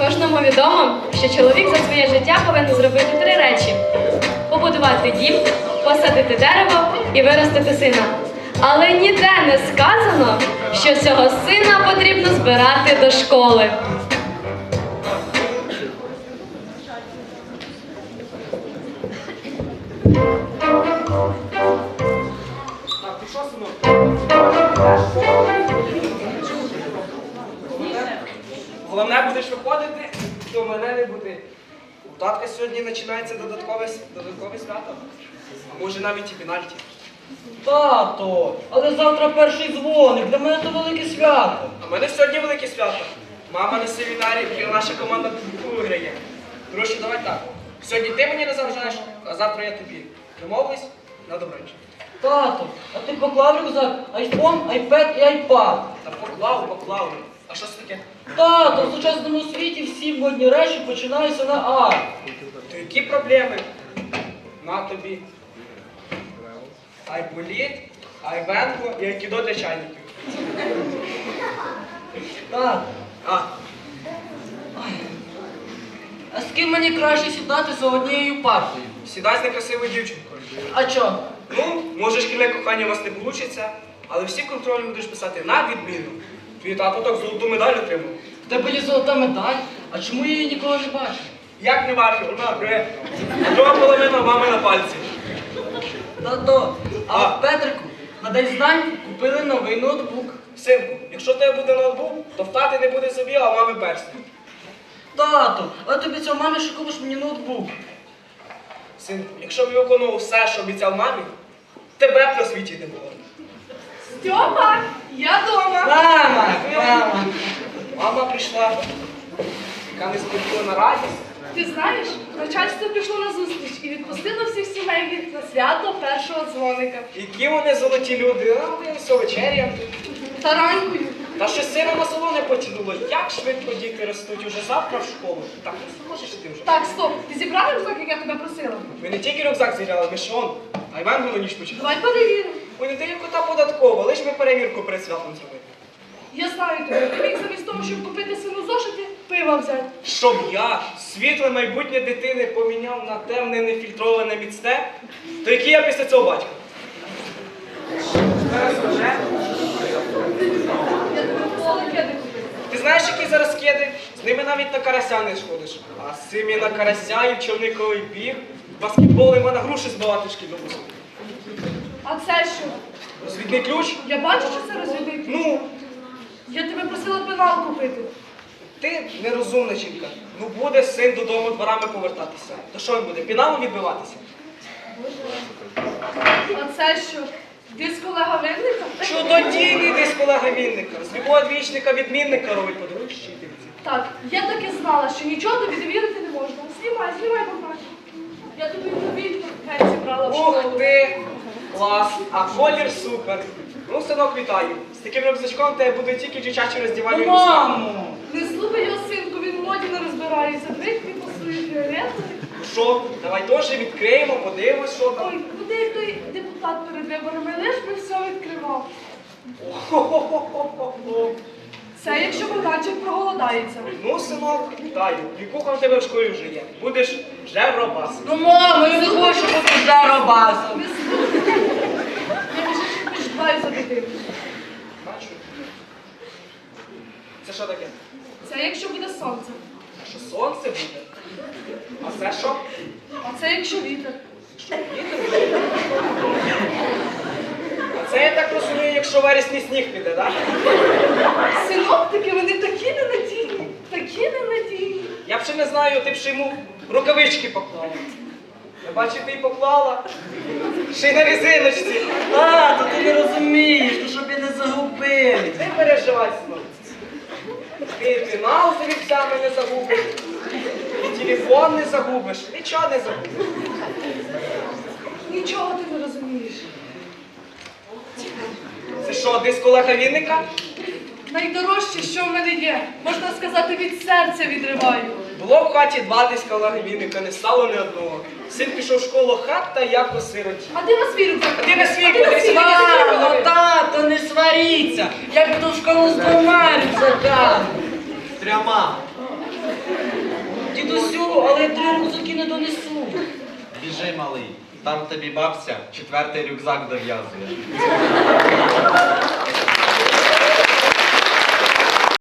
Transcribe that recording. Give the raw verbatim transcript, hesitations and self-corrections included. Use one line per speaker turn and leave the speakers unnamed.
Кожному відомо, що чоловік за своє життя повинен зробити три речі: побудувати дім, посадити дерево і виростити сина. Але ніде не сказано, що цього сина потрібно збирати до школи.
Так, ти що, синок? Головне, будеш виходити, то мене не буде. У татка сьогодні починається додаткове, с- додаткове свято. А може навіть і пенальті.
Тато, але завтра перший дзвоник, для мене це велике свято.
А в мене сьогодні велике свято. Мама на семінарі і наша команда виграє. Коротше, давай так. Сьогодні ти мені не заважаєш, а завтра я тобі. Домовились? На добраніч.
Тато, а ти поклав рюкзак, айфон, айпед і айпад.
Та поклав, поклав. А що це таке?
Тато, в сучасному світі всі модні речі починаються на А.
То які проблеми? На тобі. Айболіт, айвенко і айкідо для чайників.
Так,
А,
а з ким мені краще сідати за однією партою?
сідай з некрасивою дівчинкою.
А чо?
Ну, може, шкільне кохання у вас не вийде, але всі контрольні будеш писати на відміну. Твій тато так золоту медаль отримав.
В тебе є золота медаль, а чому я її ніколи не бачив?
Як не бачив, вона гре. А друга половина мами на пальці.
Тато, а
А.
в Петрику на день знань купили новий ноутбук.
Синку, якщо в тебе буде ноутбук, то в тати не буде собі, а в мами персні.
Тато, а тобі цього мамі, що купиш мені ноутбук.
Синку, якщо б я виконував все, що обіцяв мамі, тебе б на світі не було.
Стьопа, я дома.
Мама, мама.
Мама прийшла, яка не сподівана радість.
Ти знаєш, начальство пішло на зустріч і відпустило всіх сімейних на свято першого дзвоника.
Які вони золоті люди, а ми все вечеря.
Таранькою.
Та що сина на село не потягнуло, як швидко діти ростуть уже завтра в школу. Так, ну можеш ти вже.
Так, стоп, ти зібрав рюкзак, як я тебе просила?
Ми не тільки рюкзак зіряли, ми ще он. А Іван ніч почав.
Давай перевіримо.
Ой, не дає кота податково, лиш ми перевірку перед святом зробити.
Я знаю тебе, ти міг замість того, щоб купити сину зошити, пива взяти.
Щоб я світле майбутнє дитини поміняв на темне, нефільтроване міцне, то який я після цього батько? Зараз вже.
Я тебе просила кеди купити.
Ти знаєш, які зараз кеди? З ними навіть на карася не сходиш. А з цими на карася і в човниковий біг, баскетбол і на груші збивати шкільну музику.
А це що?
Розвідний ключ?
Я бачу, що це розвідник.
Ну,
Я тебе просила пенал купити.
ти нерозумна жінка. Ну буде син додому дворами повертатися. То що він буде? Піналом відбиватися?
А це що? Диск Олега Винника?
Чудодійний десь колега Вінника. З любого двічника відмінника робить подивись щитівці.
Так, я так і знала, що нічого тобі довірити не можна. Знімай, знімай, Богдан. Я тобі тобі геть зібрала в
Ух
школу.
ти! Клас! А колір супер! Ну, синок, вітаю. З таким рюкзачком тебе будуть тільки дівчачі роздівальні
Ну, мамо!
Не слухай його, синку, він в моді не розбирається. Брикні посує фіолетовий.
Ну що, давай теж відкриємо, подивимось, що там.
Ой, куди як той депутат перед виборами, лиш би все відкривав.
Хо-хо-хо-хо-хо.
Це якщо Богданчик проголодається.
Ну, синок, вітаю. Вікуха в тебе в школі вже є. Будеш жевробас.
Ну, мамо, я не хочу бути жаробасом.
Не слухай. Я більше не ждаю за дитину.
Бачу. Це що таке?
Це якщо буде сонце.
Що сонце буде? А це що?
А це якщо вітер.
Що, вітер? А це, я так розумію, якщо вересні сніг піде, так?
Синоптики, вони такі ненадійні, такі ненадійні.
Я б ще не знаю, ти б ще йому рукавички поклала. Я бачу, ти й поклала. Ще й на резиночці.
Тато, ти не розумієш, то щоб я не загубив.
Не переживай, синок. Ти пенал з рівцями не загубиш. І телефон не загубиш. Нічого не загубиш.
Нічого ти не розумієш.
Це що, диск Олега Вінника?
Найдорожче, що в мене є, можна сказати, від серця відриваю.
Було в хаті два диска Олега Вінника, не стало ні одного. Син пішов в школу, хата як осироті.
А ти на свій рюкзак.
А ти на свій,
А ти на
подивися,
свій.
на свій.
Мамо, тато, не сваріться. Я піду в школу з двома рюкзаками.
Трьома.
донесу, але я три рюкзаки не донесу.
Біжи, малий, там тобі бабця четвертий рюкзак дов'язує.